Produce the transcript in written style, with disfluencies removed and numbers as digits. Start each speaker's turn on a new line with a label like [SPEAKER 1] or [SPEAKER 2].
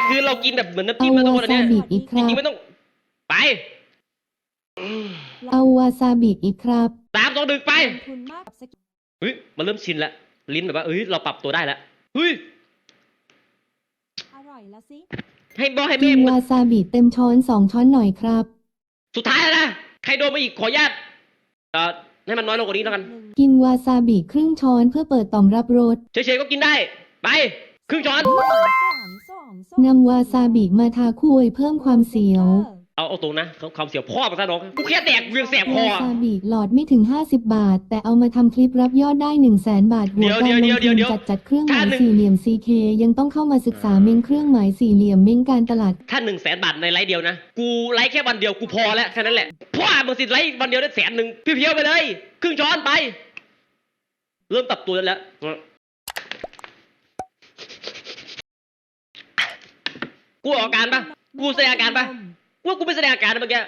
[SPEAKER 1] คือเรากินแบบเหมือนน้ำ
[SPEAKER 2] เอา
[SPEAKER 1] จิ้มนะทุก
[SPEAKER 2] วา
[SPEAKER 1] คนอัน
[SPEAKER 2] ซา
[SPEAKER 1] เนี้ย
[SPEAKER 2] บิอีกค
[SPEAKER 1] จ
[SPEAKER 2] รั
[SPEAKER 1] ริ
[SPEAKER 2] บ
[SPEAKER 1] งๆไม่ต้องไป
[SPEAKER 2] เอาวาซาบิอีกครับ
[SPEAKER 1] 3 2 1ไป
[SPEAKER 3] ลงทุนมากกับสกิล
[SPEAKER 1] เฮ้ยมันเริ่มชินแล้วลิ้นแบบว่าเฮ้ยเราปรับตัวได้แล้วเฮ้ย
[SPEAKER 3] อร่อยละสิ
[SPEAKER 1] ให้บอให้
[SPEAKER 2] กิ
[SPEAKER 1] แม่
[SPEAKER 2] น
[SPEAKER 1] มึง
[SPEAKER 2] วาซาบิเต็มช้อน2 ช้อนหน่อยครับ
[SPEAKER 1] สุดท้ายแล้วนะใครโดนมาอีกขออนุญาตให้มันน้อยลงกว่านี้แล้วกัน
[SPEAKER 2] กินวาซาบิครึ่งช้อนเพื่อเปิดต่อมรับรส
[SPEAKER 1] เฉยๆก็กินได้ไปครึ่งช้อน
[SPEAKER 2] นำวาซาบิมาทาคุยเพิ่มความเสียว
[SPEAKER 1] เอาตรงนะความเสียวพ่อมาซะน้องกูแค่แดกเวียงแสบคอ
[SPEAKER 2] วาซาบิหลอดไม่ถึง50 บาท แต่เอามาทำคลิปรับยอดได้ 100,000 บาทหัวการลงทุนจัดเครื่องหมายสี่เหลี่ยม CK ยังต้องเข้ามาศึกษาเม้งเครื่องหมายสี่เหลี่ยมเม้งการตลาด
[SPEAKER 1] ถ้า100,000 บาทในไลฟ์เดียวนะกูไลฟ์แค่วันเดียวกูพอแล้วแค่นั้นแหละพ่อมึงสิไลฟ์วันเดียวได้100,000เพียวๆไปเลยครึ่งช้อนไป เริ่มปรับตัวแล้วกูออกอาการปะกูแสดงอาการปะว่ากูไม่แสดงอาการนะเมื่อกี้